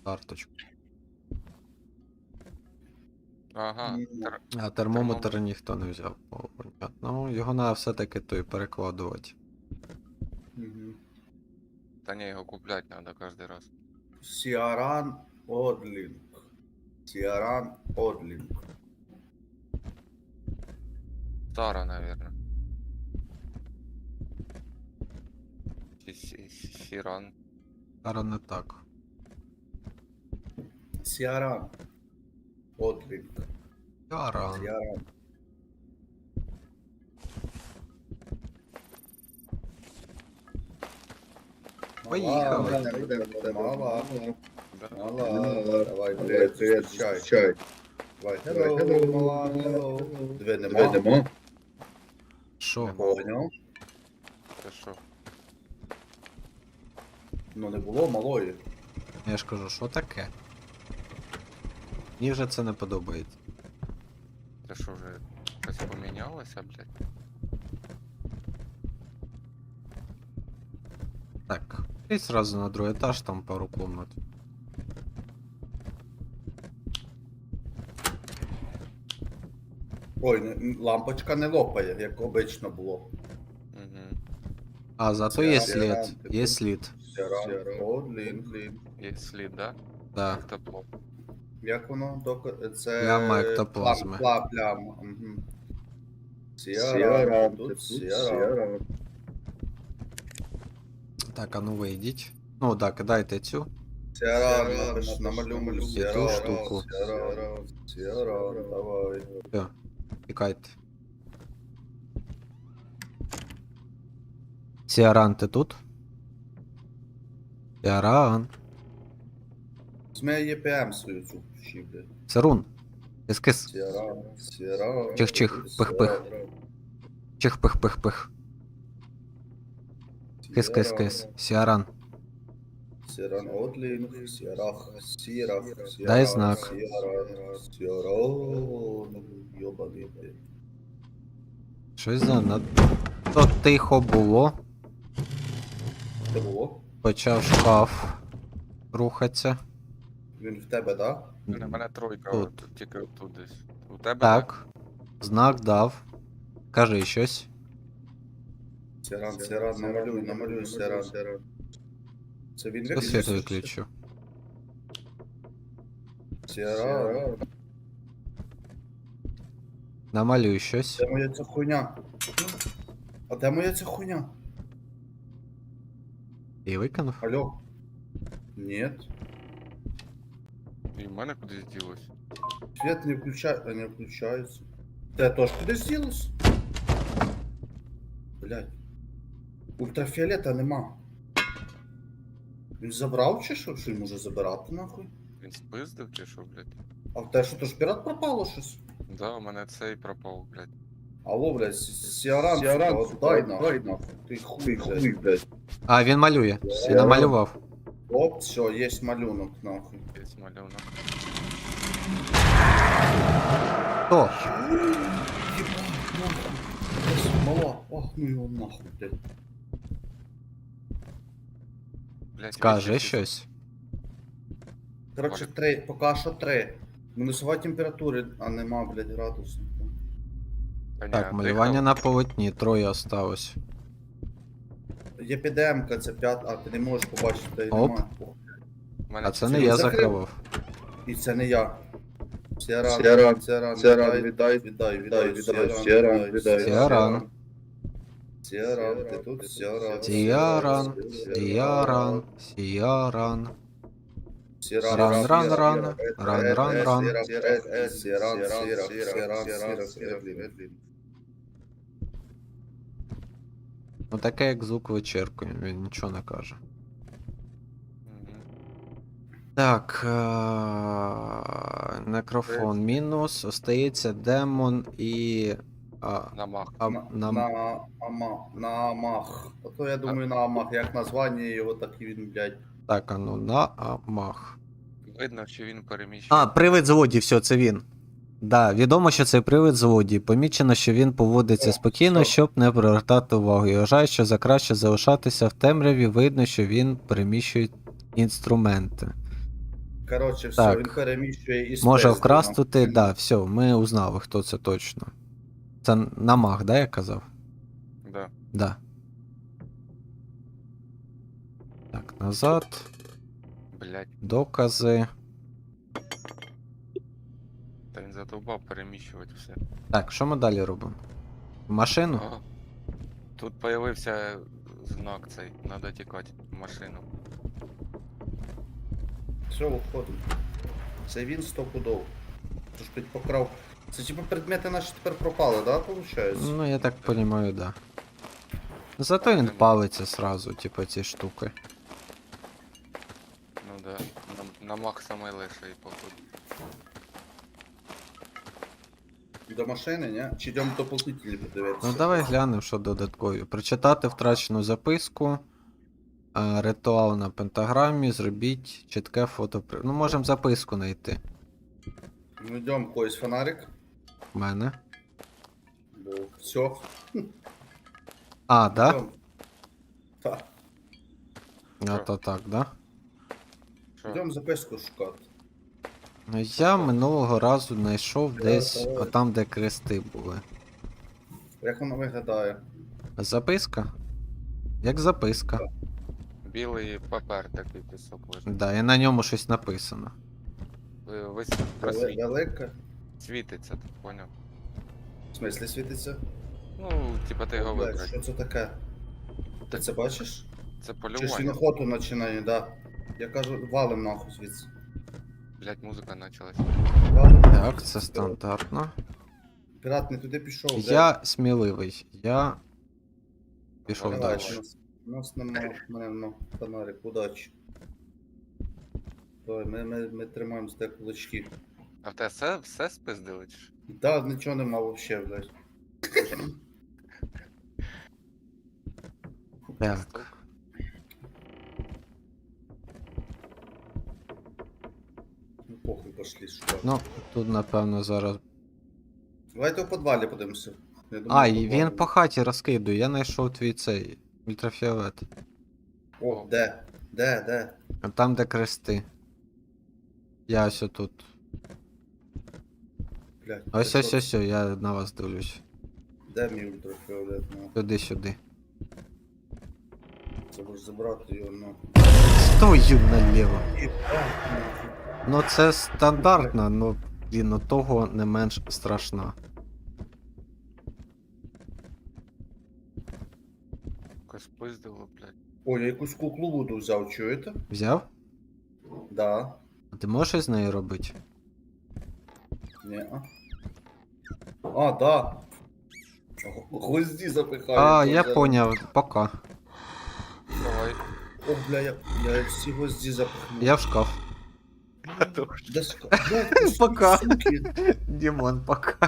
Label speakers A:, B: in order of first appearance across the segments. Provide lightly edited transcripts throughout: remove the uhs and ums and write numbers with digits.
A: карточку.
B: Ага,
A: А термометр ніхто не взяв. О, понятно. Ну, його треба все-таки той перекладувати.
B: та ні, його куплять треба кожен раз.
C: Сіаран Одлінг. Сіаран Одлінг.
B: Стара, наверное. Сіран.
A: Зараз не так.
C: Сіаран Одлінг.
A: Яран.
C: Сіаран.
A: Поїхали.
C: Мала.
B: Да.
C: Мала. Давай, привіт, зустрічай. Давай, hello, мала, hello. Диви, нема.
A: Що?
C: Поняв?
B: Це що?
C: Ну не було малої.
A: Я ж кажу, що таке? Мені вже це не подобається.
B: Це що вже щось помінялося, блядь?
A: Так. І сразу на другий етаж, там пару комнат.
C: Ой, лампочка не лопає, як обично було.
B: Угу.
A: А, зато є
C: Сіаран,
A: слід.
C: ти
A: Є
C: тут?
A: слід.
C: Сіаран Одлінг.
B: Є слід, да?
A: Да.
B: Як тепло.
C: Як воно? Це...
A: Пляма ектоплазми.
C: Пляма. Угу. Сіаран, тут Сіаран.
A: Так, а ну вийдіть. Ну да, кидайте цю.
C: Сіаран, намалюю.
A: І ту штуку.
C: Сіаран, давай.
A: Все, тікайте. Сіаран, ти тут? Сіаран.
C: Змей ЄПМ свою цю включи, блядь.
A: Сирун. Кис-кис.
C: Сіаран.
A: Чих-чих, пих-пих. Чих-пих-пих-пих. Кис-кис-кис. Сіаран.
C: Сіаран Одлінг, Сіарах, Сірах,
A: Дай знак.
C: Сіаран, йобаний, блядь.
A: Щось то тихо було.
C: Це було?
A: Почав шкаф рухатися.
C: Він в тебе, да?
B: У мене тройка,
A: Тут.
B: от, тільки тут десь. У тебе?
A: Так. Знак дав. Кажи щось.
C: Сіаран, намалюй, Сіаран. Це він
A: Я світ виключу.
C: Сіаран.
A: Намалюй щось.
C: Де моя ця хуйня? А де моя ця хуйня?
A: І викинув.
C: Алло? Нет.
B: І в мене кудись ділось.
C: Свет не не включается. Ты тоже кудись ділась? Блядь. Ультрафіолета нема. Він забрав чи що? Що він може забирати нахуй?
B: Він спиздив чи що, блядь?
C: А в те, що то ж пірат пропало щось?
B: Да, у мене цей пропав, блядь.
C: Алло, блядь, Сіаран, дай нахуй. Ти хуй, блядь.
A: А, він малює. Він намалював.
C: Оп, все, є малюнок, нахуй.
B: Є малюнок.
A: Хто?
C: Єбать, нахуй. Мала, ах, ну його нахуй, блядь.
B: Блядь,
A: Скажи
B: вище
A: щось.
C: Коротше, 3, поки що 3. Мінусова температура, а нема, блядь, градусів.
B: Та ні,
A: Так,
B: а
A: малювання
B: дихав?
A: на полотні. Троє осталось.
C: Є підемка, це 5, а ти не можеш побачити, де
A: Оп.
C: немає.
B: У мене
A: А це
C: Це
A: не
C: він
A: я
C: закрив?
A: закривав.
C: І це не я. Сіаран,
D: Сіаран,
C: Сіаран,
D: Сіаран,
C: віддай,
A: Сіаран.
C: Сіаран, ти тут, Сіаран.
A: Сіаран. Сіаран. Сіаран.
C: Сіаран,
A: Ран, ран.
C: Сіаран,
A: Ну таке як звук вичеркує, він нічого не каже.
B: Мгм.
A: Так. Некрофон мінус. Остається демон і.
B: Намах.
C: на Амах. А то я думаю на Амах, як названня його, так і він, блядь.
A: Так, а ну на Амах.
B: Видно, що він переміщує.
A: А, привид злодій, все, це він. Да, відомо, що це привид злодій. Помічено, що він поводиться
C: О,
A: спокійно,
C: стоп.
A: щоб не привертати увагу. І вважає, що за краще залишатися в темряві, видно, що він переміщує інструменти.
C: Коротше, все,
A: Так.
C: він переміщує і
A: Може
C: спиздив
A: вкрастути,
C: нам.
A: да, все, ми узнали, хто це точно. Це намаг, да, я казав?
B: Да.
A: Да. Так, назад.
B: Блять,
A: Докази.
B: та він задовбав переміщувати все.
A: Так, що ми далі робимо? В машину?
B: Ага. Тут появився знак цей, надо тікати в машину.
C: Все, виходимо. Це він стопудов. Тож покрав. Це типу предмети наші тепер пропали, да, виходить?
A: Ну, я так розумію, да. Зато він палиться сразу, типу, ці штуки.
B: Ну да. На мах саме лише і походу.
C: До машини, ні? Чи йдемо до плотнителі подивитися?
A: Ну давай глянемо, що додаткові. Прочитати втрачену записку. Ритуал на пентаграмі, зробіть чітке фото. Ну, можемо записку знайти.
C: Ну йдемо, когось фонарик.
A: У мене.
C: Бо все.
A: А, да?
C: Так.
A: А то так, да?
B: Що?
C: Йдемо записку шукати.
A: Ну, я минулого разу знайшов десь
C: давай.
A: отам, де крести були.
C: Як воно виглядає?
A: Записка? Як записка.
B: Білий папер такий пісок лежить.
A: Да, і на ньому щось написано.
C: Велика?
B: Світиться, ти поняв?
C: В смислі світиться?
B: Ну, типа ти його
C: Блядь,
B: вибрати.
C: що це таке? Ти це бачиш?
B: Це
C: Чи ж
B: полювання.
C: він охоту починає, да. Я кажу, валим нахуй звідси.
B: Блять, музика почалась.
C: Валим.
A: Так, це стандартно.
C: Пірат не туди пішов, де?
A: Я сміливий. Я пішов
C: Давай,
A: далі.
C: у нас нема, в мене нема фонарик, удачі. Давай, ми тримаємо з тебе кулачки.
B: А в тебе все спиздили чи що?
C: Да, нічого нема вообще, блядь.
A: Так.
C: Ну похуй, пошли шукати.
A: Ну, тут, напевно, зараз.
C: Давайте у підвалі подивимося. Я думаю,
A: А,
C: в
A: і
C: підвалі.
A: він по хаті розкидує. Я знайшов твій цей ультрафіолет.
C: О, де? Де?
A: А там, де крести. Я ось тут.
C: Блядь.
A: Ось
C: ти
A: ось
C: що?
A: ось, я на вас дивлюсь.
C: Де мій ультрафіолет? Ну,
A: Сюди.
C: це можеш забрати його, ну.
A: Стою наліво.
C: Єбать, нахуй.
A: Ну це стандартно, ну блін, того не менш страшна.
B: Якось спиздило, блять.
C: Ой, я якусь куклу Вуду взяв, чуєте?
A: Взяв?
C: Да.
A: А ти можеш щось з нею робити?
C: Ні. А, да. Гвозді запихаю.
A: А, я поняв, пока.
B: Давай.
C: О, бля, я всі гвозді запихнув.
A: Я в шкаф.
C: Де блядь,
A: Пока.
C: суки.
A: Дімон, пока.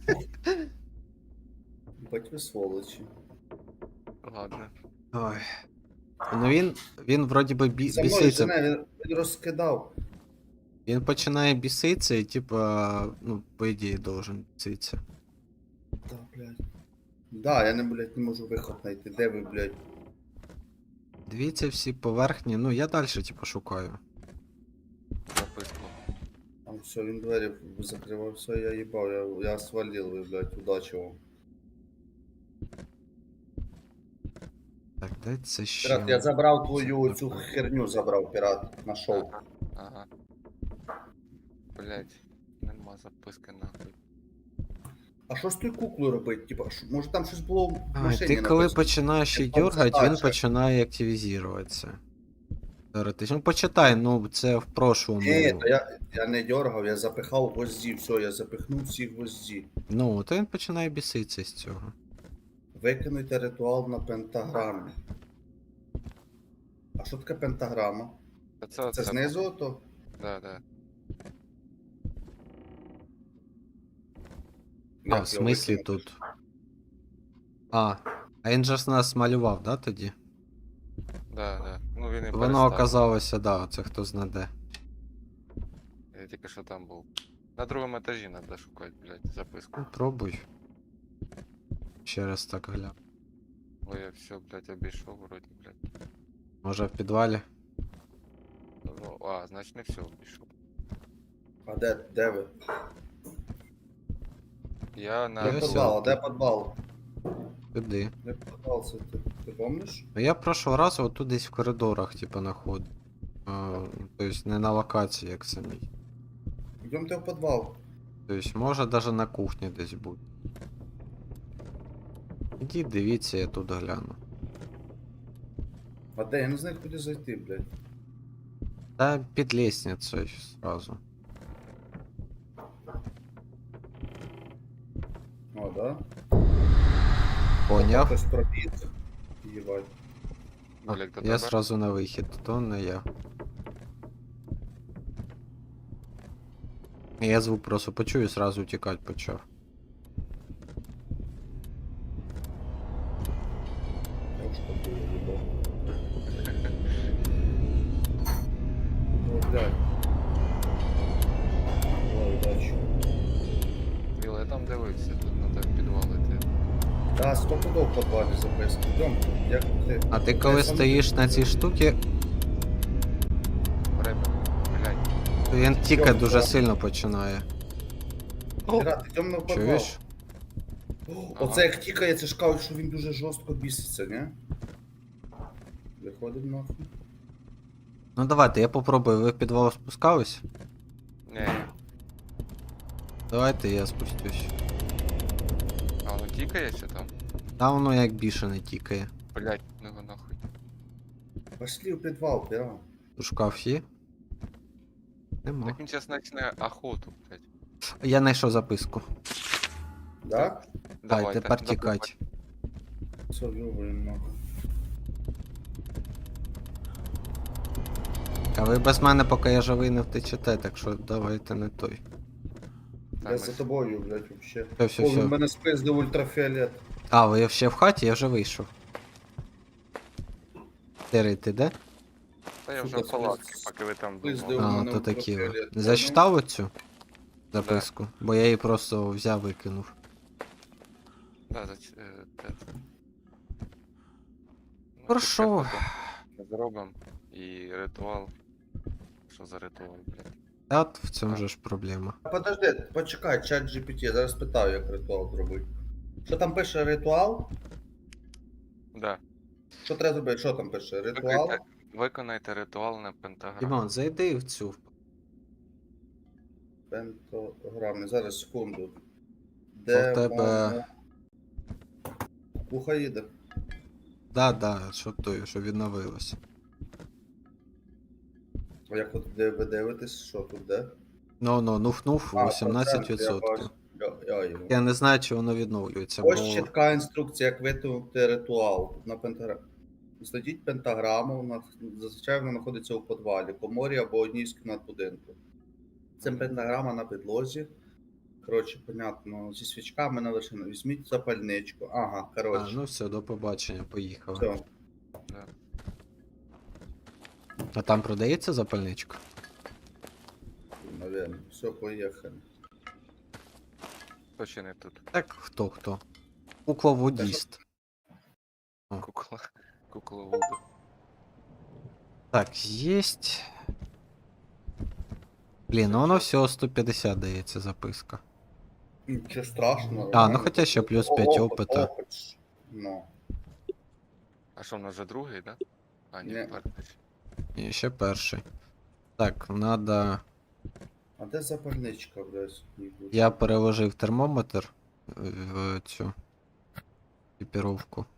C: Бать ви сволочі.
B: Ладно.
A: Ой. Ну він вроді би
C: За мною
A: біситься.
C: жене, він розкидав.
A: Він починає біситися і типа, ну, по ідеї должен біситися.
C: Да, блядь. Да, я не, блядь, не можу виход знайти. Де ви, блядь?
A: Дивіться всі поверхні, ну я далі типу шукаю.
B: Записку.
C: Там все, він двері закривав, все, я їбав, я свалил, ви, блядь, удачі вам.
A: Так, де це ще?
C: Пірат, я забрав твою цю херню, забрав, пірат, нашов.
B: Ага. Блять. Нема записки нахуй.
C: А що з тою куклою робити? Типа, може там щось було в
A: Ай,
C: машині
A: ти коли
C: написано?
A: починаєш її
C: Там
A: дергати, він
C: задача.
A: починає активізуватися. Теоретично. Ну почитай, ну це в прошлому.
C: Ні, то я не дергав, я запихав гвозді, все, я запихнув всі гвозді.
A: Ну, то він починає біситися з цього.
C: Викинуйте ритуал на пентаграмі. А що таке пентаграма?
B: Та це
C: Це знизу ото?
B: Да.
A: А, в смислі тут. А він же ж нас малював, да, тоді?
B: Да. Ну він і
A: Воно
B: перестав.
A: оказалося, да, це хто знаде.
B: Я тільки що там був. На другому етажі треба шукати, блять, записку.
A: Ну, пробуй. Ще раз так гляну.
B: Ой, я все, блять, обійшов вроді, блять.
A: Може в підвалі?
B: Ну, а, значить не все обійшов.
C: А де ви?
B: Я на...
C: Де
A: Я
C: підвал? А
A: сяду.
C: де підвал?
A: Куди?
C: Де підвал це ти помниш?
A: Ну я прошлого разу отут десь в коридорах, типа, знаходив. Тобто не на локації, як самій.
C: Йдемте в підвал.
A: Тобто може даже на кухні десь бути. Ідіть, дивіться, я тут гляну.
C: А де? Я не знаю, куди зайти, блядь.
A: Та під лестницею сразу.
C: О, да?
A: Поняв?
C: Хтось пробіг. Єбать.
B: Олег, до
A: Я
B: тебе?
A: сразу на вихід, то не я. Я звук просто почую і сразу тікати почав.
C: Я уж такой ебал. О, блядь. Давай, удачи.
B: Біла, я там дивився, тут треба підвалити.
C: Да, стопудов в підвалі записки. Йдем, як ти?
A: А ти
C: Я
A: коли
C: сам-
A: стоїш на цій штуці,
B: Время. Блядь.
A: то він тікати
C: Йом,
A: дуже
C: да.
A: сильно починає.
C: Пірат, йдемо в підвал.
A: Чуєш?
C: О, оце як тікає, це ж кажуть, що він дуже жорстко біситься, не? Виходить нахуй.
A: Ну давайте, я попробую. Ви в підвал спускались?
B: Ні.
A: Давайте я спустюсь.
B: А воно тікає чи там?
A: Та воно як бішене тікає.
B: Блядь, ну його нахуй.
C: Пошли в підвал, пірат.
A: У шкаф є? Нема.
B: Так він зараз почне охоту, блядь.
A: Я знайшов записку.
C: Да?
A: Дай, тепер
B: забудь.
A: тікать.
C: Все, ёбаем нахуй.
A: А ви без мене, поки я живий, не втечете, так що давайте не той.
B: Та
C: Я
B: ми
C: за
B: ж-
C: тобою, блядь, вообще.
A: Все,
C: О, він
A: все.
C: мене спиздив ультрафіолет.
A: А, ви ще в хаті, я вже вийшов. Терей, ти де?
B: Та я вже
C: Сука,
B: в палатці,
C: спиздив.
B: поки ви там
C: Спиздив.
B: думали.
A: А,
C: мене
A: то такі.
C: ультрафіолет.
A: Зачитав оцю записку? Бо я її просто взяв викинув.
B: Да, те. Ну,
A: Хорошо.
B: чітке фото зробимо. І ритуал. Що за ритуал, блядь?
A: Та от в цьому же ж проблема.
C: Подожди, почекай, чат GPT, я зараз питаю, як ритуал зробити. Що там пише ритуал?
B: Да.
C: Що треба зробити? Що там пише? Ритуал?
B: Виконайте ритуал на пентаграму.
A: Дімон, зайди в цю.
C: Пентограми. Зараз секунду.
A: А в тебе-
C: Уха їде.
A: Да, що той, що відновилось.
C: А як от де ви дивитесь, що тут де?
A: Ну, нуф-нуф,
C: А,
A: 18%.
C: процент, я його.
A: Я не знаю, чи воно відновлюється, бо.
C: Ось чітка інструкція, як виконати ритуал на пентаграмі. Знайдіть пентаграму, зазвичай вона знаходиться у підвалі, коморі або одній з кімнат будинку. Це пентаграма на підлозі. Коротше, понятно, зі свічками на вершину. Візьміть запальничку. Ага,
A: А,
C: коротше.
A: ну все, до побачення, поїхали.
C: Все.
B: Да.
A: А там продається запальничка?
C: Наверное. Все, поїхали.
B: Хто ще не тут?
A: Так, хто? Кукловодіст.
B: Кукла. Кукла Вуду.
A: Так, єсть. Блін, ну воно всього 150 дається записка.
C: Нічого страшного.
A: А, ну хоча ще плюс 5 опита.
C: Опит ж. Ну.
B: А що, в нас вже другий, да? А, ні,
C: Ні.
B: перший.
A: І ще перший. Так, надо.
C: А де запальничка, блядь?
A: Я переложив термометр в цю екіпіровку.